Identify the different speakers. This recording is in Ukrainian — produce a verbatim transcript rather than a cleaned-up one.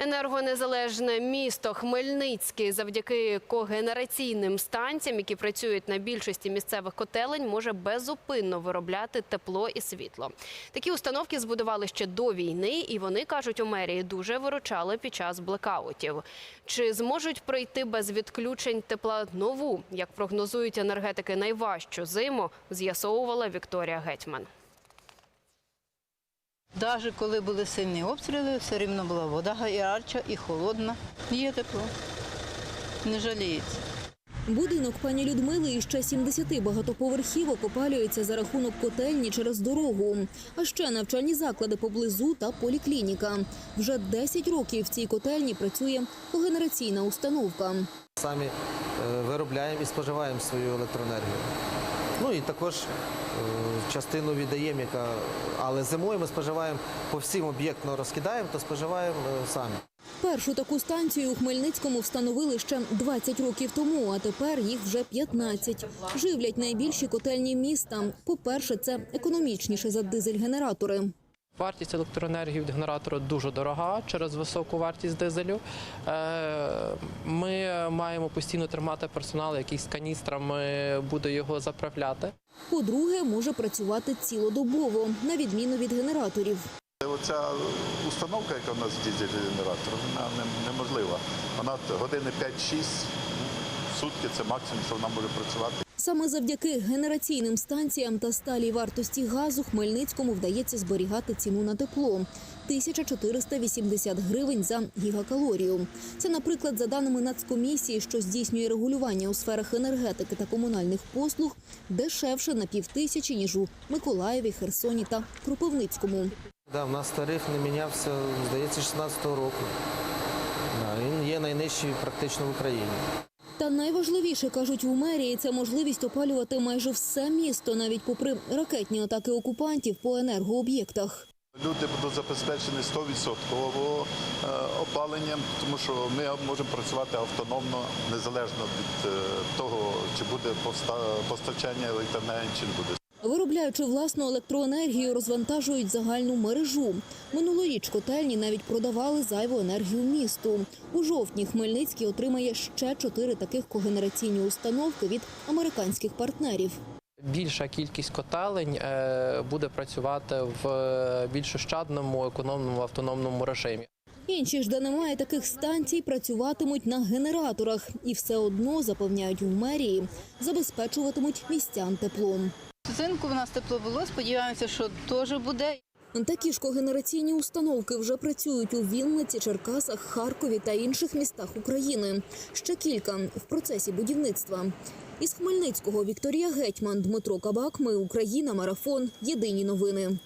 Speaker 1: Енергонезалежне місто Хмельницький завдяки когенераційним станціям, які працюють на більшості місцевих котелень, може безупинно виробляти тепло і світло. Такі установки збудували ще до війни, і вони, кажуть у мерії, дуже виручали під час блекаутів. Чи зможуть пройти без відключень тепла нову, як прогнозують енергетики, найважчу зиму, з'ясовувала Вікторія Гетьман.
Speaker 2: Навіть коли були сильні обстріли, все рівно була вода гаряча і холодна. Є тепло, не жаліється.
Speaker 3: Будинок пані Людмили із ще сімдесяти багатоповерхівок опалюється за рахунок котельні через дорогу. А ще навчальні заклади поблизу та поліклініка. Вже десять років в цій котельні працює когенераційна установка.
Speaker 4: Самі виробляємо і споживаємо свою електроенергію. Ну і також частину віддаємо, яка... але зимою ми споживаємо по всім об'єктно розкидаємо, то споживаємо самі.
Speaker 3: Першу таку станцію у Хмельницькому встановили ще двадцять років тому, а тепер їх вже п'ятнадцять. Живлять найбільші котельні міста. По-перше, це економічніше за дизель-генератори.
Speaker 5: Вартість електроенергії від генератора дуже дорога через високу вартість дизелю. Ми маємо постійно тримати персонал, який з каністрами буде його заправляти.
Speaker 3: По-друге, може працювати цілодобово, на відміну від генераторів.
Speaker 6: Оця установка, яка у нас дизель-генератор, вона неможлива. Вона години п'ять-шість, сутки – це максимум, що вона може працювати.
Speaker 3: Саме завдяки генераційним станціям та сталій вартості газу Хмельницькому вдається зберігати ціну на тепло – тисяча чотириста вісімдесят гривень за гігакалорію. Це, наприклад, за даними Нацкомісії, що здійснює регулювання у сферах енергетики та комунальних послуг, дешевше на півтисячі, ніж у Миколаєві, Херсоні та Кропивницькому.
Speaker 4: Да, у нас тариф не мінявся, здається, шістнадцятого року. Да, він є найнижчий практично в Україні.
Speaker 3: Та найважливіше, кажуть у мерії, це можливість опалювати майже все місто, навіть попри ракетні атаки окупантів по енергооб'єктах.
Speaker 6: Люди будуть забезпечені сто відсотків опаленням, тому що ми можемо працювати автономно, незалежно від того, чи буде постачання електроенергії, чи не буде.
Speaker 3: Виробляючи власну електроенергію, розвантажують загальну мережу. Минулоріч котельні навіть продавали зайву енергію місту. У жовтні Хмельницький отримає ще чотири таких когенераційні установки від американських партнерів.
Speaker 5: Більша кількість котелень буде працювати в більш ощадному, економному, автономному режимі.
Speaker 3: Інші ж, де немає таких станцій, працюватимуть на генераторах. І все одно, запевняють у мерії, забезпечуватимуть містян теплом.
Speaker 2: Взимку в нас тепло було, сподіваємося, що теж буде.
Speaker 3: Такі ж когенераційні установки вже працюють у Вінниці, Черкасах, Харкові та інших містах України. Ще кілька в процесі будівництва. Із Хмельницького Вікторія Гетьман, Дмитро Кабак. Ми Україна. Марафон. Єдині новини.